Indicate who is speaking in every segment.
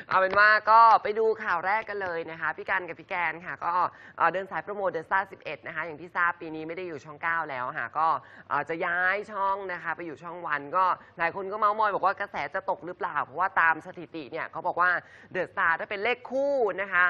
Speaker 1: เอาเป็นว่าก็ไปดูข่าวแรกกันเลยนะคะพี่กันกับพี่แกนค่ะก็เดินสายโปรโมทเดอะสตาร์11นะคะอย่างที่ทราบปีนี้ไม่ได้อยู่ช่อง9แล้วค่ะก็จะย้ายช่องนะคะไปอยู่ช่องวันก็หลายคนก็เมาส์มอยบอกว่ากระแสจะตกหรือเปล่าเพราะว่าตามสถิติเนี่ยเขาบอกว่าเดอะสตาร์ถ้าเป็นเลขคู่นะคะ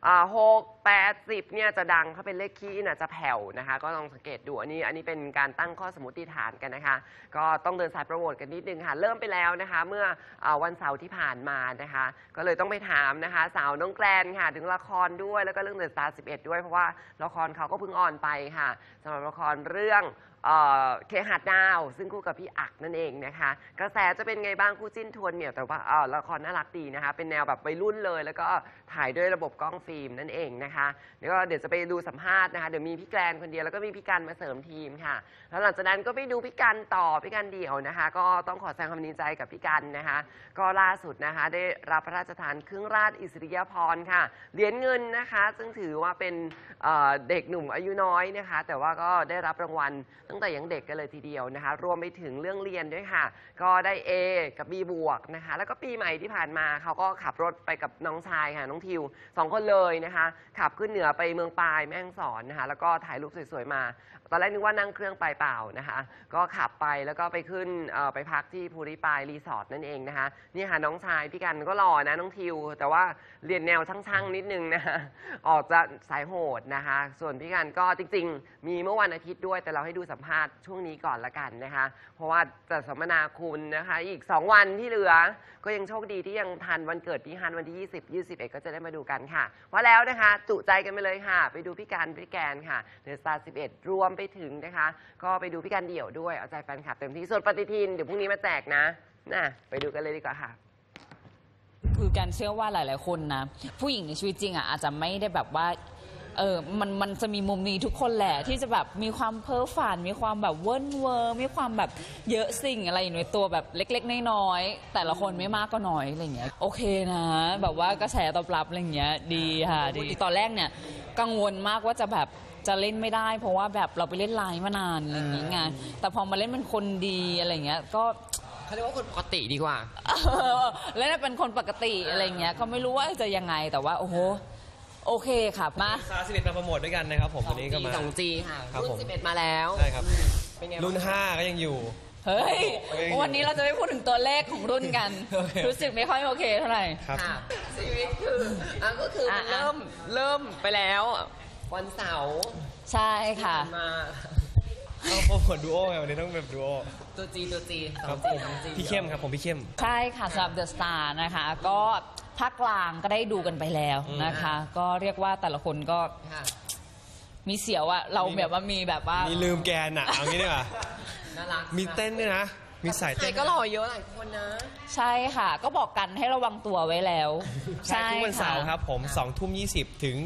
Speaker 1: 6 8 10เนี่ยจะดังถ้าเป็นเลขคี่น่ะจะแผ่วนะคะก็ลองสังเกตดูอันนี้เป็นการตั้งข้อสมมติฐานกันนะคะก็ต้องเดินสายโปรโมทกันนิดนึงค่ะเริ่มไปแล้วนะคะเมื่อวันเสาร์ที่ผ่านมานะคะก็เลยต้องไปถามนะคะสาวน้องแกลนค่ะถึงละครด้วยแล้วก็เรื่องเดอะสตาร์11ด้วยเพราะว่าละครเขาก็เพิ่งออนไปค่ะสำหรับละครเรื่องเคหะดาวซึ่งคู่กับพี่อักนั่นเองนะคะกระแสจะเป็นไงบ้างคู่จิ้นทวนเหมียวแต่ว่าละครน่ารักดีนะคะเป็นแนวแบบวัยรุ่นเลยแล้วก็ถ่ายด้วยระบบกล้องฟิล์มนั่นเองนะคะแล้วก็เดี๋ยวจะไปดูสัมภาษณ์นะคะเดี๋ยวมีพี่แกลนคนเดียวแล้วก็มีพี่กันมาเสริมทีมค่ะแล้วหลังจากนั้นก็ไปดูพี่กันต่อพี่กันเดี่ยวนะคะก็ต้องขอแสดงความดีใจกับพี่กันนะคะก็ล่าสุดนะคะได้รับพระราชทานเครื่องราชอิสริยาภรณ์ค่ะเหรียญเงินนะคะซึ่งถือว่าเป็นเด็กหนุ่มอายุน้อยนะคะแต่ว่าก็ได้รับรางวัลตั้งแต่ยังเด็กกันเลยทีเดียวนะคะรวมไปถึงเรื่องเรียนด้วยค่ะก็ได้ A กับ B บวกนะคะแล้วก็ปีใหม่ที่ผ่านมาเขาก็ขับรถไปกับน้องชายค่ะน้องทิว2 คนเลยนะคะขับขึ้นเหนือไปเมืองปายแม่ฮ่องสอนนะคะแล้วก็ถ่ายรูปสวยๆมาตอนแรกนึกว่านั่งเครื่องไปเปล่านะคะก็ขับไปแล้วก็ไปขึ้นไปพักที่ภูริปายรีสอร์ทนั่นเองนะคะนี่ค่ะน้องชายพี่กันก็หล่อนะน้องทิวแต่ว่าเรียนแนวช่างๆนิดนึงนะคะออกจะสายโหดนะคะส่วนพี่กันก็จริงๆมีเมื่อวันอาทิตย์ด้วยแต่เราให้ดูสัมภาษณ์ช่วงนี้ก่อนละกันนะคะเพราะว่าจะสัมมนาคุณนะคะอีก2 วันที่เหลือก็ยังโชคดีที่ยังทันวันเกิดพี่ฮันวันที่20 21ก็จะได้มาดูกันค่ะว่าแล้วนะคะจุใจกันไปเลยค่ะไปดูพี่กันพี่แกนค่ะเดอะสตาร์11รวมไปถึงนะคะก็ไปดูพี่กันเดี่ยวด้วยเอาใจแฟนคลับเต็มที่ส่วนปฏิทินเดี๋ยวพรุ่งนี้มาแจกนะไปดูกันเลยดีกว่าค่ะ
Speaker 2: คือการเชื่อว่าหลายๆคนนะผู้หญิงในชีวิตจริงอ่ะอาจจะไม่ได้แบบว่ามันจะมีมุมนี้ทุกคนแหละที่จะแบบมีความเพ้อฝันมีความแบบเวิร์นเวอร์มีความแบบเยอะสิ่งอะไรอยู่ในตัวแบบเล็กๆน้อยๆแต่ละคนไม่มากก็น้อยอะไรเงี้ยโอเคนะแบบว่ากระแสตอบรับอะไรเงี้ยดีค่ะดีตอนแรกเนี่ยกังวลมากว่าจะแบบจะเล่นไม่ได้เพราะว่าแบบเราไปเล่นไลน์มานานอะไรอย่างเงี้ยไงแต่พอมาเล่นเป็นคนดีอะไรเงี้ยก็
Speaker 1: เขาเรียกว่าคนปกติดีกว่า
Speaker 2: แล้วเป็นคนปกติอะไรเงี้ยก็ไม่รู้ว่าจะยังไงแต่ว่าโอ้โหโอเคค่ะมา
Speaker 3: 11มาโปรโมทด้วยกันนะครับผมวันนี้ก็มา
Speaker 1: 2G ค่ะรุ่น11มาแล้ว
Speaker 3: ใช่ครับรุ่น5ก็ยังอยู่
Speaker 2: เฮ้ยวันนี้เราจะไม่พูดถึงตัวเลขของรุ่นกันรู้สึกไม่ค่อยโอเคเท่าไหร่
Speaker 3: ครับ
Speaker 1: ชีวิตก็คือมันเริ่มไปแล้ววันเสาร์
Speaker 2: ใช่ค่ะ
Speaker 1: มา
Speaker 3: โปรโมทดูโอไงวันนี้ต้องแบบดูโอ
Speaker 1: ตัวจี
Speaker 3: ครับผมพี่เข้มครับผมพี่เข้ม
Speaker 2: ใช่ค่ะสำหรับเดอะสตาร์นะคะก็ภาคกลางก็ได้ดูกันไปแล้วนะคะก็เรียกว่าแต่ละคนก็มีเสียวอะเราแบบว่ามีแบบว่า
Speaker 3: มีลืมแกนอะเอางี้ดีกว่า
Speaker 1: น่ารัก
Speaker 3: มีเต้นด้วยนะมีสายเต้น
Speaker 1: ก็หล่อเยอะหลายคนนะ
Speaker 2: ใช่ค่ะก็บอกกันให้ระวังตัวไว้แล้ว
Speaker 3: ใช่ทุกวันเสาร์ครับผม20:20 ถึง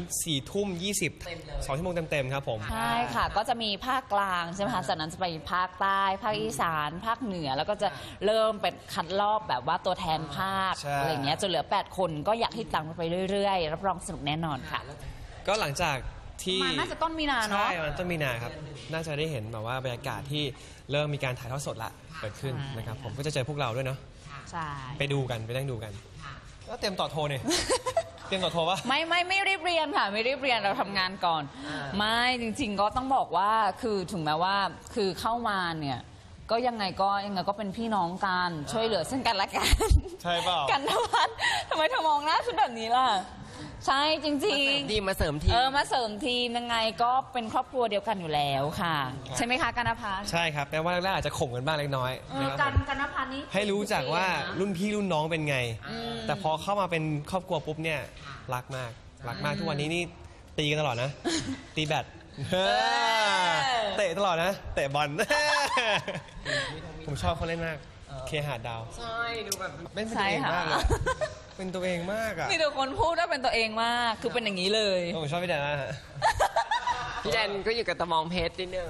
Speaker 3: 4:20 2 ชั่วโมงเต็มๆครับผม
Speaker 2: ใช่ค่ะก็จะมีภาคกลางใช่ไหมคะจากนั้นจะไปภาคใต้ภาคอีสานภาคเหนือแล้วก็จะเริ่มเป็นคัดรอบแบบว่าตัวแทนภาคอะไรเงี้ยจนเหลือ8 คนก็อยากให้ตามไปเรื่อยๆรับรองสนุกแน่นอนค่ะ
Speaker 3: ก็หลังจากที่
Speaker 2: น่าจะต้นมีนาเนาะ
Speaker 3: ใช่มันต้นมีนาครับน่าจะได้เห็นแบบว่าบรรยากาศที่เริ่มมีการถ่ายทอดสดละเกิดขึ้นนะครับผมก็จะเจอพวกเราด้วยเนาะ
Speaker 2: ใช่
Speaker 3: ไปดูกันไปนั่งดูกันแล้วเตรียมต่อโทรเนี่ยเตรียมต่อโทรปะ
Speaker 2: ไม่รีบเรียนค่ะไม่รีบเรียนเราทำงานก่อนไม่จริงๆก็ต้องบอกว่าคือถึงแม้ว่าคือเข้ามาเนี่ยก็ยังไงก็เป็นพี่น้องกันช่วยเหลือซึ่งกันและกัน
Speaker 3: ใช่เปล่า
Speaker 2: กันทวัฒน์ทำไมเธอมองหน้าฉันแบบนี้ล่ะใช่จริง
Speaker 1: ๆมาเสริมทีม
Speaker 2: มาเสริมทีมยังไงก็เป็นครอบครัวเดียวกันอยู่แล้วค่ะใช่ไหมคะกันพัฒน์
Speaker 3: ใช่ครับแม้ว่าแรกๆอาจจะข่มกันบ้างเล็กน้อย
Speaker 2: กันพัฒน์นี่
Speaker 3: ให้รู้จักว่ารุ่นพี่รุ่นน้องเป็นไงแต่พอเข้ามาเป็นครอบครัวปุ๊บเนี่ยรักมากทุกวันนี้นี่ตีกันตลอดนะตีแบดเตะตลอดนะเตะบอลผมชอบเขาเล่นมากเคหะดาว
Speaker 1: ใช่ดูแบบ
Speaker 3: เป็นตัวเองมากเลยเป็นตัวเองมากอ่ะ
Speaker 2: มีแต่คนพูดว่าเป็นตัวเองมากคือเป็นอย่างนี้เลย
Speaker 3: ผมชอบพี่แดนมาก
Speaker 1: พี่แดนก็อยู่กับตะมองเพชรนิดนึง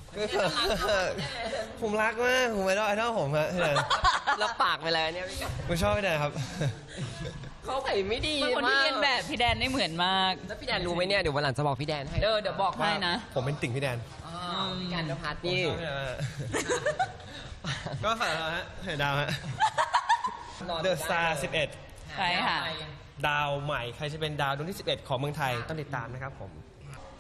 Speaker 3: ผมรักมากผมไอดอลผมฮะพี่แดน
Speaker 1: รับปากไปแล้วเนี่ย
Speaker 3: ผมชอบพี่แดนครับ
Speaker 1: เขาใส่ไม่ดีมาก
Speaker 2: คนที่เรียนแบบพี่แดนได้เหมือนมาก
Speaker 1: แล้วพี่แดนรู้ไหมเนี่ยเดี๋ยววันหลังจะบอกพี่แดนให้
Speaker 2: เดี๋ยวบอกให้นะ
Speaker 3: ผมเป็นติ่งพี่แดน
Speaker 1: พี่กันพัฒน์นี่
Speaker 3: ก็ฝากเราฮะเห็นดาวฮะเดอะสตาร์11
Speaker 2: ใช่ค่ะ
Speaker 3: ดาวใหม่ใครจะเป็นดาวดวงที่ 11 ของเมืองไทยต้องติดตามนะครับผม